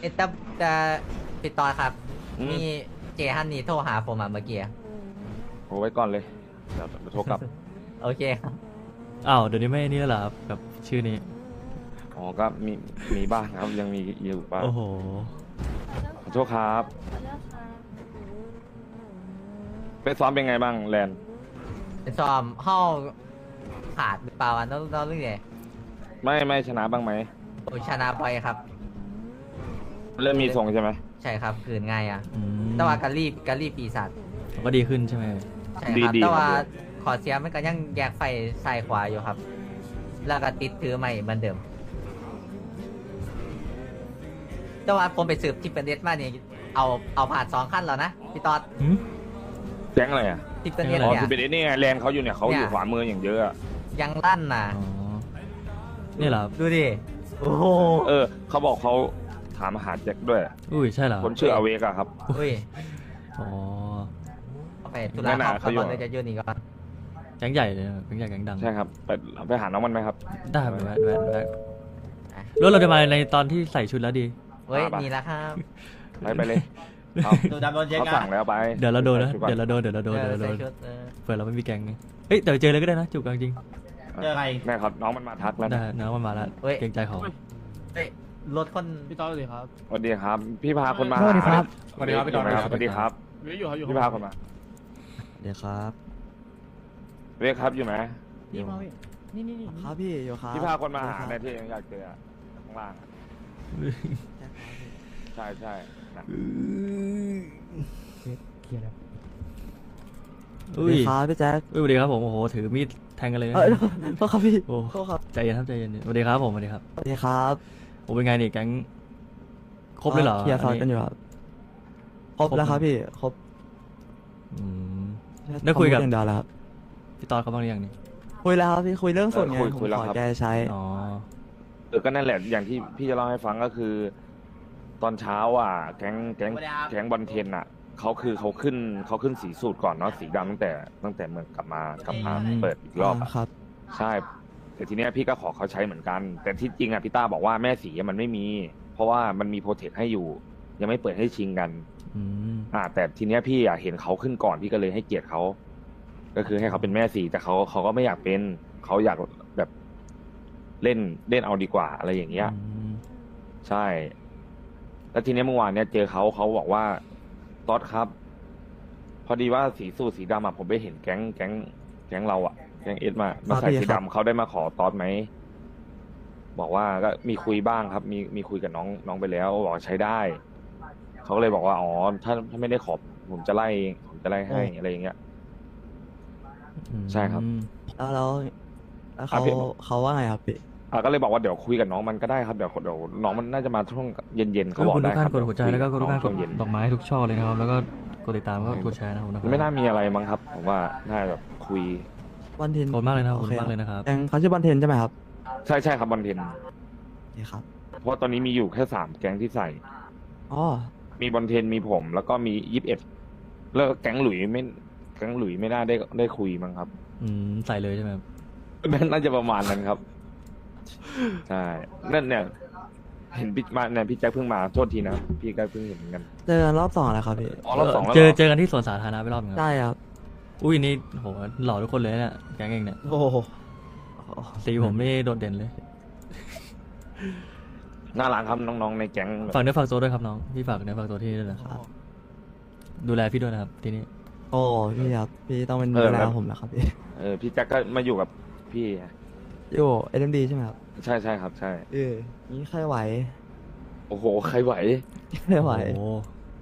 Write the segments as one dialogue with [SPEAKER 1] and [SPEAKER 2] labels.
[SPEAKER 1] แต่ปิดต่อครับ
[SPEAKER 2] อืม
[SPEAKER 1] มีเจฮันนี่โทรหาผมเมื่อกี้
[SPEAKER 2] โอ้ไว้ก่อนเลยเดี๋ยวโทรกลับ
[SPEAKER 1] โอเคครับ
[SPEAKER 3] อ้าวเดี๋ยวนี้ไม่นี่แล้วเหรอครับกับชื่อนี้
[SPEAKER 2] อ๋อก็มีบ้างครับยังมีอยู่บ้าง
[SPEAKER 3] โอ้โห
[SPEAKER 2] ขอโทษครับไปซ้อมเป็นไงบ้างแลนด์
[SPEAKER 1] เป็นซ้อมห้องขาดหรือเปล่าอันต้องเรื่องไง
[SPEAKER 2] ไม่ชนะบ้างไหม
[SPEAKER 1] โอชนะไปครับ
[SPEAKER 2] เริ่มมีทรงใช่ไหม
[SPEAKER 1] ใช่ครับคืนง่ายอ่ะ
[SPEAKER 3] อืม
[SPEAKER 1] แต่ว่ากะรีบปีศาจ
[SPEAKER 3] ก็ดีขึ้นใช่ไหม
[SPEAKER 1] ใช่ครับแต่ว่าขอเสียมันก็ยังแยกไฟซ้ายขวาอยู่ครับ แล้วก็ติดถือใหม่เหมือนเดิม แต่ว่าผมไปสืบที่เป็นเด็ดมาเนี่ยเอาผ่าน2 ขั้นแล้วนะพี่ตอด
[SPEAKER 3] หืม
[SPEAKER 2] แก๊งอะไรอ่ะ
[SPEAKER 1] ที่เป็นเด็ด
[SPEAKER 2] อ๋อ
[SPEAKER 1] เนี่ย
[SPEAKER 2] คือเป็นไอ้นี่ไงแลนด์เขาอยู่เนี่ยเขาอยู่ขวามืออย่างเยอะอะ
[SPEAKER 1] ยังลั่นน่ะ
[SPEAKER 3] อ๋อนี่เหรอครับ
[SPEAKER 1] ดูดิโอ้โห
[SPEAKER 2] เขาบอกเขาถามหาแจ็คด้วย
[SPEAKER 3] อุ้ยใช่เหรอ
[SPEAKER 2] คนชื่ออเวกอะครับ
[SPEAKER 1] อุ้ย
[SPEAKER 3] อ๋อ
[SPEAKER 1] เอาไปตุ
[SPEAKER 2] นั่
[SPEAKER 1] ลาน
[SPEAKER 2] น่ะ
[SPEAKER 1] เขา
[SPEAKER 2] เขาอยู่
[SPEAKER 1] ก่อนเลยจะยื่นอีกก่อน
[SPEAKER 3] แก๊งใหญ่เลยนะแก๊งใหญ่แก๊งดัง
[SPEAKER 2] ใช่ครับไปหาน้องมันไหมครับ
[SPEAKER 3] ได้ครับแวะรถเราจะมาในตอนที่ใส่ชุดแล้วดี
[SPEAKER 1] เฮ้ย
[SPEAKER 2] มาปะ
[SPEAKER 1] นี่แล้วครับ
[SPEAKER 2] ไปเลยเอา
[SPEAKER 4] ดูดำโดนเช็ค
[SPEAKER 2] เขา
[SPEAKER 4] นะ
[SPEAKER 2] สั่งแล้วไป
[SPEAKER 3] เดี๋ยวเราโดนนะ
[SPEAKER 2] ไปก่อ
[SPEAKER 3] เดี๋ยวเราโดนเดี๋ยวเราโดน
[SPEAKER 1] เอ
[SPEAKER 3] เดี๋ยว
[SPEAKER 1] อ
[SPEAKER 3] เราโด
[SPEAKER 1] ใส่
[SPEAKER 3] น
[SPEAKER 1] ชุด
[SPEAKER 3] เผื่อเราไม่มีแก๊งไงเฮ้ยเดี๋ยวเจอเลยก็ได้นะจูบกันจริง
[SPEAKER 4] เจอใคร
[SPEAKER 2] แม่ครับน้องมันมาทักแล้ว
[SPEAKER 3] ได้
[SPEAKER 2] นะ
[SPEAKER 3] นะมันมาแล้วเกรงใจเขา
[SPEAKER 1] เฮ้ยรถคน
[SPEAKER 4] พี่ต้อสวัสดีครับ
[SPEAKER 2] สวัสดีครับ พี่พาคนมา
[SPEAKER 4] สวัสดีครับ
[SPEAKER 2] สวัสดีครับพี่ตอนสวัสดีครับ
[SPEAKER 4] อยู่ครับอยู่
[SPEAKER 2] พี่พาคนมา
[SPEAKER 5] เดี๋ยวครับ
[SPEAKER 2] เวกครับอยู่ไหม
[SPEAKER 4] นี่มาพี่นี่
[SPEAKER 5] ครับพี่โยครับ
[SPEAKER 2] พี่พาคนมาหา
[SPEAKER 5] ครับ
[SPEAKER 2] ในที่ยังอยากเจออะข้างล่างอะใช่ใช่นะ
[SPEAKER 5] สวั
[SPEAKER 3] อุ้
[SPEAKER 5] ส
[SPEAKER 3] ย
[SPEAKER 5] ดีครับพี่แจ๊ค
[SPEAKER 3] อุ้ยสวัสดีครับผมโอ้โหถือมีดแทงกันเลยนะ
[SPEAKER 5] โทษครับพี่
[SPEAKER 3] โอ้
[SPEAKER 5] โทษครับ
[SPEAKER 3] ใจเย็นครับใจเย็นสวัสดีครับผมสวัสดีครับ
[SPEAKER 5] สวัสดีครับ
[SPEAKER 3] โอ้เป็นไงนี่แก๊งครบเลยเหรอ
[SPEAKER 5] เคลียร์ซอยกันอยู่ครับครบแล้วครับพี่ครบ
[SPEAKER 3] อืม ได้คุยกับ
[SPEAKER 5] ทำเรื่องเดียวแล้วครับ
[SPEAKER 3] พี่ตอนเขาบ้างหรือยังนี่
[SPEAKER 5] คุยแล้วครับพี่คุยเรื่องส่วนไงผมขอแกใช้
[SPEAKER 3] อ๋อ
[SPEAKER 2] ก็นั่นแหละอย่างที่พี่จะเล่าให้ฟังก็คือ ตอนเช้าอ่ะแก๊งบอลเทนอ่ะเขาขึ้นสีสูตรก่อนเนาะสีดำตั้งแต่เมืองกลับมาเปิดอีกรอบอะ
[SPEAKER 5] ครับ
[SPEAKER 2] ใช่แต่ทีเนี้ยพี่ก็ขอเขาใช้เหมือนกัน แต่ที่จริงอ่ะพี่ต้าบอกว่าแม่สีมันไม่มี เพราะว่ามันมีโปรเทคให้อยู่ ยังไม่เปิดให้ชิงกัน
[SPEAKER 3] อืม
[SPEAKER 2] แต่ทีเนี้ยพี่อ่ะเห็นเขาขึ้นก่อนพี่ก็เลยให้เกียรติเขาก็คือให้เขาเป็นแม่สีแต่เขาก็ไม่อยากเป็นเขาอยากแบบเล่นเอาดีกว่าอะไรอย่างเงี้ย ใช่ แล้วทีเนี้ยเมื่อวานเนี้ยเจอเขาบอกว่าต๊อดครับ พอดีว่าสีสูทสีดำอะผมไปเห็นแก๊งเราอะแก๊งเอสมาใส่สีดำเขาได้มาขอต๊อดไหมบอกว่าก็มีคุยบ้างครับ มีคุยกับน้องไปแล้วบอกว่าใช้ได้เขาก็เลยบอกว่าอ๋อถ้าไม่ได้ขอผมจะไล่ให้อะไรอย่างเงี้ย ใช่ครับ
[SPEAKER 5] แล้วเขา
[SPEAKER 2] พี่
[SPEAKER 5] เขาว่าไงครับพี่
[SPEAKER 2] ก็เลยบอกว่าเดี๋ยวคุยกับน้องมันก็ได้ครับเดี๋ยวน้องมันน่าจะมาช่วงเย็นๆเขาบอก
[SPEAKER 3] กดทุ
[SPEAKER 2] ได้
[SPEAKER 3] ก
[SPEAKER 2] ค
[SPEAKER 3] ท่า
[SPEAKER 2] รั
[SPEAKER 3] น
[SPEAKER 2] บ
[SPEAKER 3] กดหัวใจแล้วก็กดทุกท่านก
[SPEAKER 2] ช่
[SPEAKER 3] ด
[SPEAKER 2] วงเย็น
[SPEAKER 3] ดอกไม้ทุกช่อเลยนะครับ แล้วก็กดติดตามก็กดแชร์นะครับ
[SPEAKER 2] ไม่น่ามีอะไรมั้งครับ ผมว่าน่าแบบคุย
[SPEAKER 5] บอลเทน
[SPEAKER 3] ขอบคุณมากเลยนะครับข
[SPEAKER 5] โอ
[SPEAKER 3] อบ
[SPEAKER 5] เค
[SPEAKER 3] คุณมากเลยนะครับ
[SPEAKER 5] แก๊งเขาชื่อบอลเทนใช่ไหมครับ
[SPEAKER 2] ใช่ครับบอลเทน
[SPEAKER 5] โอเคครับ
[SPEAKER 2] เพราะตอนนี้มีอยู่แค่3แก๊งที่ใส่
[SPEAKER 5] อ๋อ
[SPEAKER 2] มีบอลเทนมีผม แล้วก็มี21แล้วแก๊งหลุยไม่น่าได้คุยมั้งครับ
[SPEAKER 3] ใส่เลยใช่ไหมครับ
[SPEAKER 2] น่าจะประมาณนั้นครับ ใช่นั่นเนี่ย เห็นพี่แจ็คเพิ่งมาโทษทีนะพี่ก็เพิ่งเห็นเหมือนกัน
[SPEAKER 5] เจอกันรอบ2แล้วครับพี่
[SPEAKER 2] อ๋อรอบ 2แล้ว
[SPEAKER 3] เจ
[SPEAKER 2] เหร
[SPEAKER 3] อเจอกันที่สวนสาธารณะไปรอบหนึงครับ
[SPEAKER 5] ได้ครับ
[SPEAKER 3] อุ้ยนี่โหหล่อทุกคนเลยเนี่ยแก๊งเองเนี่ย
[SPEAKER 5] โอ้โห
[SPEAKER 3] สีผมนี่โดดเด่นเลย
[SPEAKER 2] น่ารักครับน้องๆในแก๊ง
[SPEAKER 3] ฝากเนื้อฝากตัวด้วยครับน้องพี่ฝากเนื้อฝากตัวที่นี่ด้วยนะครับดูแลพี่ด้วยนะครับที่นี่
[SPEAKER 5] โอ้พี่ครับพี่ต้องเป็นดูแลผมแล้วครับพี่
[SPEAKER 2] พี่แจ็คก็มาอยู่กับพี่
[SPEAKER 5] โย่เอ็มดีใช่ไหมครับ
[SPEAKER 2] ใช่ครับ ใช่
[SPEAKER 5] นี่ใครไหว
[SPEAKER 2] โอ้โหใครไหว
[SPEAKER 5] ไม่ไหว
[SPEAKER 3] โอ้โห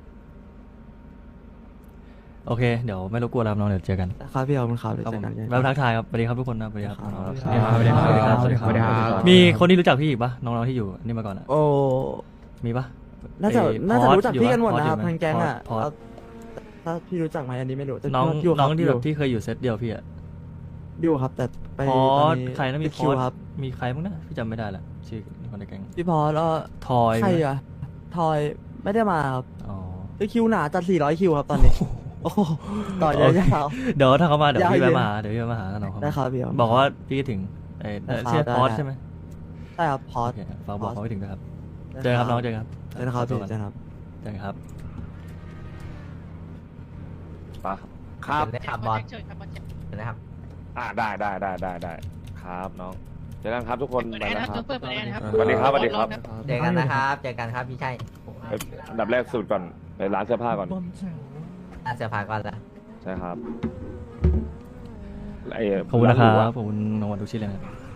[SPEAKER 3] โอเคเดี๋ยวไม่รบกวนแล้วครับน้องเดี๋ยวเจอกัน
[SPEAKER 5] ครับพี่ขอบคุณครับเดี๋ยว
[SPEAKER 3] ครับ
[SPEAKER 5] เจ
[SPEAKER 3] ผ
[SPEAKER 5] อ
[SPEAKER 3] ม
[SPEAKER 5] กัน
[SPEAKER 3] แล้วทักทายครับสวัสดีครับทุกคนนะสวัสดีครับ
[SPEAKER 5] ครับ
[SPEAKER 3] น้องๆ
[SPEAKER 5] สวัสดี
[SPEAKER 3] สวัสดีครับสวัสดีครับสวัสดีครับ
[SPEAKER 4] สวัสดีครับ
[SPEAKER 3] มีคนที่รู้จักพี่อีกปะน้องๆที่อยู่นี่มาก่อนอะ
[SPEAKER 5] โอ้
[SPEAKER 3] มีปะ
[SPEAKER 5] น่าจะ
[SPEAKER 3] ไอ้
[SPEAKER 5] น่าจะ
[SPEAKER 3] พอส
[SPEAKER 5] รู้จักพี่กันหมด
[SPEAKER 3] อยู่
[SPEAKER 5] นะครับ
[SPEAKER 3] พอส
[SPEAKER 5] ทางแก๊งอ่ะ
[SPEAKER 3] พอส
[SPEAKER 5] เอาถ้าพี่รู้จักไหมอันนี้ไม่รู้แต่
[SPEAKER 3] น้อง
[SPEAKER 5] ยู่ค
[SPEAKER 3] น้
[SPEAKER 5] รั
[SPEAKER 3] องที่แบบ
[SPEAKER 5] ยู่
[SPEAKER 3] ที่เคยอยู่เซตเดียวพี่อะ
[SPEAKER 5] อยู่ครับ แต่ไป
[SPEAKER 3] พอ
[SPEAKER 5] ตอน
[SPEAKER 3] ส
[SPEAKER 5] นี้
[SPEAKER 3] ใครนะมี
[SPEAKER 5] ติด
[SPEAKER 3] พ
[SPEAKER 5] คิ
[SPEAKER 3] อ
[SPEAKER 5] ว
[SPEAKER 3] ส
[SPEAKER 5] ครับ
[SPEAKER 3] มีใครบ้างนะพี่จำไม่ได้ละชื่อคนในแก๊ง
[SPEAKER 5] พี่พอแล้ว
[SPEAKER 3] ทอย
[SPEAKER 5] ใคร
[SPEAKER 3] ไหม
[SPEAKER 5] อ่ะทอยไม่ได้มาครับ
[SPEAKER 3] อ๋อ
[SPEAKER 5] คือคิวหนาจัด400คิวครับตอนนี้โอ้โหต่อยาว
[SPEAKER 3] เดี๋ยวถ้าเขามาเดี๋ยวพี่
[SPEAKER 5] ยาวเย็น
[SPEAKER 3] แวะมาหาเดี๋ยวพี่แวะมาหาน้องเขา
[SPEAKER 5] ๆได้ครับพี่ครับ
[SPEAKER 3] บอกว่าพี่คิดถึงเออ
[SPEAKER 5] ได้ครับ
[SPEAKER 3] ชื่อ
[SPEAKER 5] ได้
[SPEAKER 3] พอส
[SPEAKER 5] ได้
[SPEAKER 3] ใช่ไหม
[SPEAKER 5] ใช่ครับพอ
[SPEAKER 3] โอ
[SPEAKER 5] ส
[SPEAKER 3] เคฝากบอกเขาไปถึงนะครับเจอกันครับน้องเจอกันครับ
[SPEAKER 5] เจอนะครับพี่เจอครับ
[SPEAKER 3] ใช่ครับ
[SPEAKER 2] ปะครับ
[SPEAKER 1] เชิญเลยครับบอสเชิญนะครับ
[SPEAKER 2] ได้ครับน้องเจอกันครับทุกคนไปแล้วครับ
[SPEAKER 6] เปิดแอร์นะครับ
[SPEAKER 2] สวัสดีครับสวัสดีครับ
[SPEAKER 1] เจอกันนะครับเจอกันครับพี่ชัย
[SPEAKER 2] อันดับแรกสุดก่อนไปร้านเสื้อผ้าก่อน
[SPEAKER 1] อาเสียผ่าก่อนละ
[SPEAKER 2] ใช่ครับไอ้
[SPEAKER 3] ขอบคุณนะค
[SPEAKER 2] า
[SPEAKER 3] รั
[SPEAKER 2] นหรูอะ
[SPEAKER 3] บขอบคุณน้องวันทุกชิ้นเลยนะครับ